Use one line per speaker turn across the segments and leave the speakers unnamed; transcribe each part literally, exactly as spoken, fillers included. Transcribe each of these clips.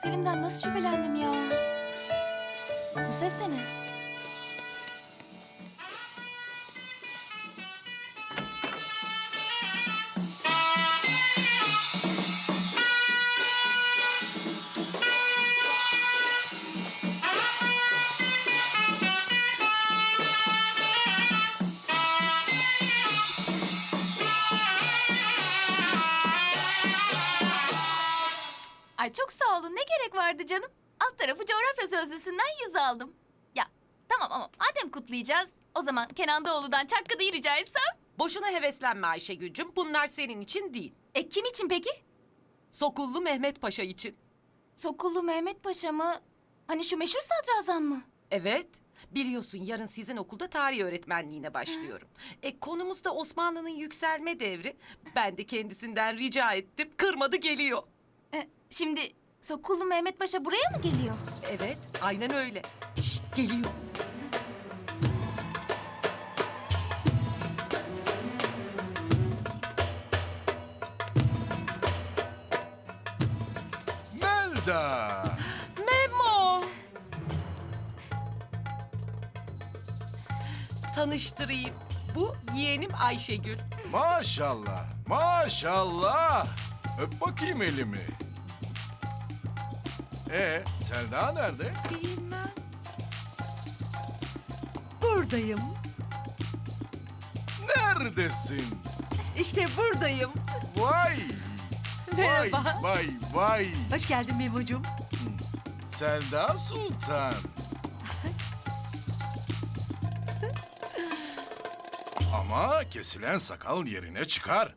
Selim'den nasıl şüphelendim ya? Bu ses ne? Ay çok sağ olun. Ne gerek vardı canım? Alt tarafı coğrafya sözlüsünden yüz aldım. Ya tamam ama madem kutlayacağız, o zaman Kenan Doğulu'dan Çakkı'yı rica etsem.
Boşuna heveslenme Ayşegül'cüm. Bunlar senin için değil.
E kim için peki?
Sokullu Mehmet Paşa için.
Sokullu Mehmet Paşa mı? Hani şu meşhur sadrazam mı?
Evet. Biliyorsun yarın sizin okulda tarih öğretmenliğine başlıyorum. E konumuz da Osmanlı'nın yükselme devri. Ben de kendisinden rica ettim. Kırmadı geliyor.
E, şimdi Sokullu Mehmet Paşa buraya mı geliyor?
Evet, aynen öyle. Şşt, geliyor.
Melda!
Memo! Tanıştırayım. Bu yeğenim Ayşegül.
Maşallah, maşallah. Öp bakayım elimi. Ee, Selda nerede?
Bilmem.
Buradayım.
Neredesin?
İşte buradayım.
Vay! Vay,
Merhaba.
vay, vay.
Hoş geldin Memo'cum.
Selda Sultan. Ama kesilen sakal yerine çıkar.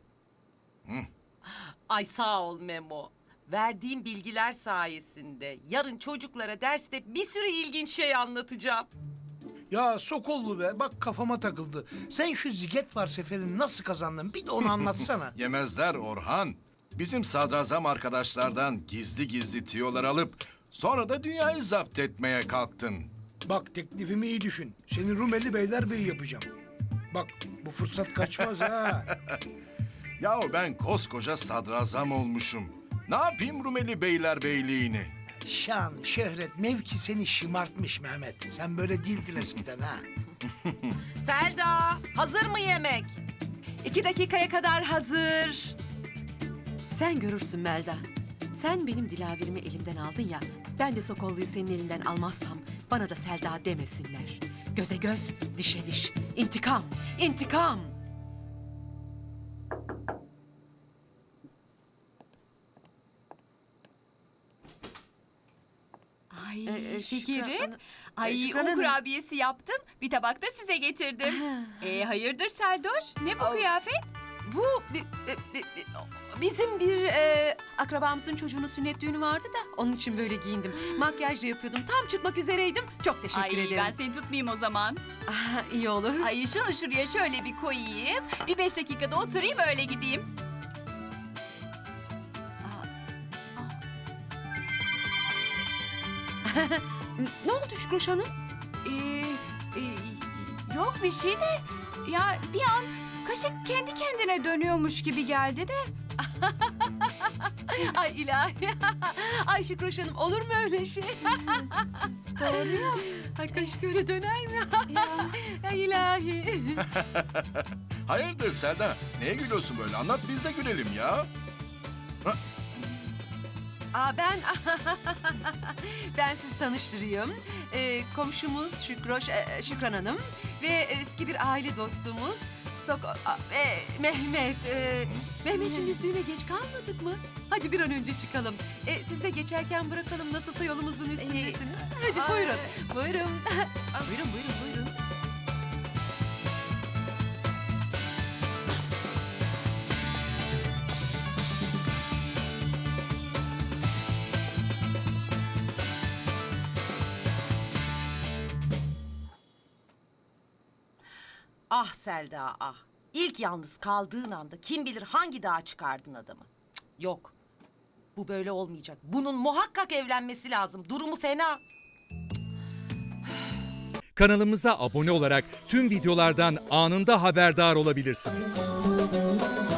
Ay sağ ol Memo. Verdiğim bilgiler sayesinde yarın çocuklara derste bir sürü ilginç şey anlatacağım.
Ya Sokollu be, bak kafama takıldı. Sen şu ziget var seferini nasıl kazandın? Bir de onu anlatsana.
Yemezler Orhan. Bizim sadrazam arkadaşlardan gizli gizli tiyolar alıp sonra da dünyayı zapt etmeye kalktın.
Bak teklifimi iyi düşün. Seni Rumeli Beylerbeyi yapacağım. Bak bu fırsat kaçmaz ha.
Yahu ben koskoca sadrazam olmuşum. Ne yapayım Rumeli Beylerbeyliğini?
Şan, şöhret, mevki seni şımartmış Mehmet. Sen böyle değildin eskiden ha.
Selda, hazır mı yemek?
İki dakikaya kadar hazır. Sen görürsün Melda. Sen benim dilaverimi elimden aldın ya. Ben de Sokollu'yu senin elinden almazsam bana da Selda demesinler. Göze göz, dişe diş. İntikam, intikam.
Ay
Ee, e,
şekerim.
Şükran-
Ay
Ee, Şükran
un
Hanım.
kurabiyesi yaptım. Bir tabak da size getirdim. e hayırdır Seldoş? Ne bu
Al.
kıyafet?
Bu bi- bi- bi- bi- bizim bir e, akrabamızın çocuğunun sünnet düğünü vardı da onun için böyle giyindim. Makyaj da yapıyordum. Tam çıkmak üzereydim. Çok teşekkür
Ay
ederim.
ben seni tutmayayım o zaman.
Ah, iyi olur.
Ay şunu şuraya şöyle bir koyayım. Bir beş dakikada oturayım öyle gideyim.
Ne oldu Şükroş Hanım?
Ee, e, yok bir şey de ya bir an kaşık kendi kendine dönüyormuş gibi geldi de.
Ay ilahi. Ay Şükroş Hanım olur mu öyle şey?
Doğru ya.
Ay kaşık öyle döner mi? Ay ilahi.
Hayırdır Selda? Neye gülüyorsun böyle? Anlat biz de gülelim ya.
Aa ben ben sizi tanıştırayım. Ee, komşumuz Şükroş e, Şükran Hanım ve eski bir aile dostumuz Sok a, e, Mehmet. E, Mehmetciğim biz düğüne geç kalmadık mı? Hadi bir an önce çıkalım. E, siz de geçerken bırakalım nasılsa yolumuzun üstündesiniz. Hadi buyurun. Buyurun. buyurun buyurun buyurun.
Ah Selda ah. İlk yalnız kaldığın anda kim bilir hangi dağa çıkardın adamı. Cık, yok. Bu böyle olmayacak. Bunun muhakkak evlenmesi lazım. Durumu fena.
Kanalımıza abone olarak tüm videolardan anında haberdar olabilirsiniz.